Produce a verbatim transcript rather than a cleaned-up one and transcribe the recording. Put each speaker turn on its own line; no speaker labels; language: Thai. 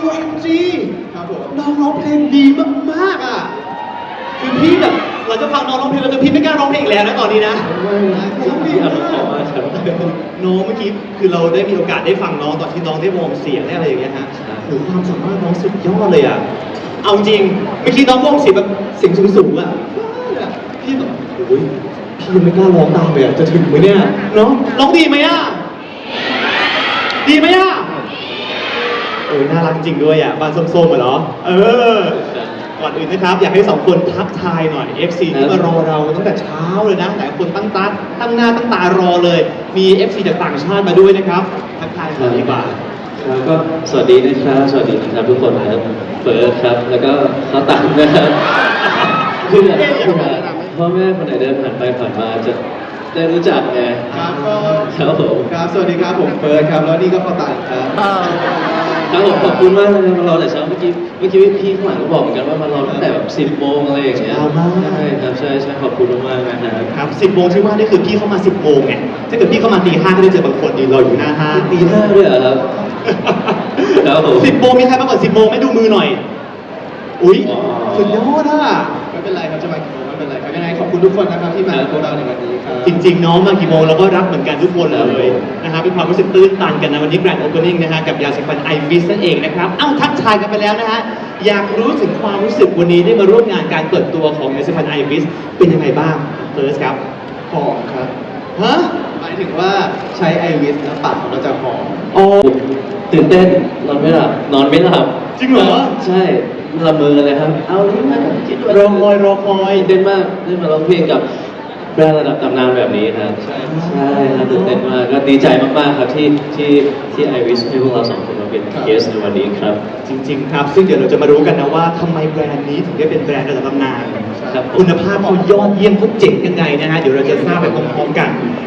เอ็ม จี
ครับผม
น้องร้องเพลงดีมากๆอ่ะคือพี่แบบเราจะฟังน้องร้องเพลงแล้วแต่พี่ไม่กล้าร้องเพลงอีกแล้วนะตอนนี้นะ
ไม่นะ
ร้องดี
พี่
มา
อ่านขอก มาครับ
น้องเมื่อกี้คือเราได้มีโอกาสได้ฟังน้องตอนที่น้องได้วอร์มเสียงได้อะไรอย่างเงี้ยฮะโหความสามารถน้องสุดยอดเลยอ่ะเอาจริงเมื่อกี้น้องวอร์มเสียงแบบเสียงสูงๆอ่ะพี่แบบโอ้ยพี่ยังไม่กล้าร้องตามเลยอ่ะจะถึงไหมเนี่ยน้องร้องดีไหมอ่ะดีไหมอ่ะโอ้ยน่ารักจริงด้วยอ่ะบ้านส้มๆอ่ะเหรอเออก่อนอื่นนะครับอยากให้สองคนทักทายหน่อย เอฟ ซี ที่มารอเราตั้งแต่เช้าเลยนะหลายคนตั้งตาตั้งหน้าตั้งตารอเลยมี เอฟ ซี จากต่างชาติมาด้วยนะครับทักทายหน่อยดีกว่า
ครับก็สวัสดีนะครับสวัสดีนะครับทุกคนนะครับเฟิร์สครับแล้วก็ข้าวตังนะครับเพื่อพ่อแม่คนไหนเดินผ่านไปผ่านมาจะได้รู้จักไง
ครับก็
ครับผม
ครับสวัสดีครับผมเฟิร์สครับแล้วนี่ก็ข้าวตังครับ
ครับผมขอบคุณมากเลยมารอแต่เช้าเมื่อกี้เมื่อกี้พี่ข้างหลังก็บอกเหมือนกันว่ามารอตั้งแต่แบบสิบโมงอะไรอย่างเงี้ย
เช้ามาก
ใช่ครับใช่ใช่ขอบคุณมากๆนะครับ
ครับสิบโมงที่ว่านี่คือพี่เข้ามาสิบโมงไงถ้าเกิดพี่เข้ามาตีห้าก็ได้เจอบางคนยืนรออยู่หน้าห้าง
ตีห้าด้วยเหรอครับ ครับผม
สิบโมงมีใครมาก่อนสิบโมงไม่ดูมือหน่อย อุ้ย
อ๋อ
สุดยอดอ่ะ
ไม่เป็นไรครับจะมากี่โมงไม่เป็นไรครับยังไงขอบคุณทุกคนนะครับที่มาพวกเราในวันนี้ครับ
จริงๆน้องมากี่โมงเราก็รักเหมือนกันทุกคนเลยนะครับเป็นความรู้สึกตื้นตันกันนะวันนี้แกรนด์โอเพนนิ่งนะฮะกับยาสีฟันไอวิสนั่นเองนะครับเอ้าทักทายกันไปแล้วนะฮะอยากรู้ถึงความรู้สึกวันนี้ได้มาร่วมงานการเปิดตัวของยาสีฟันไอวิสเป็นยังไงบ้างเฟิร์สครับ
หอมครับ
ฮะ
หมายถึงว่าใช้ไอวิสแล้วปากของเราจะหอม
โอ้
ตื่นเต้นนอนไม่หลับนอนไม่หลับ
จริงเหรอ
ใช่ละเมอเลยครับ เอานี่มาคิดว่าร
อคอยรอคอย
ตื่นเต้นมากได้มาร้องเพลงกับแบรนด์ระดับตำนานแบบนี้ครับใช่ใช่ครับตื่นเต้นมากก็ดีใจมากๆครับที่ที่ที่ไอวิสให้พวกเราสองคนมาเป็นเกสในวันนี้ครับ
จริงๆครับซึ่งเดี๋ยวเราจะมารู้กันนะว่าทำไมแบรนด์นี้ถึงได้เป็นแบรนด์ระดับตำนาน
ครับ
คุณภาพเขายอดเยี่ยมเขาเจ๋งยังไงนะฮะเดี๋ยวเราจะทราบไปพร้อมๆกัน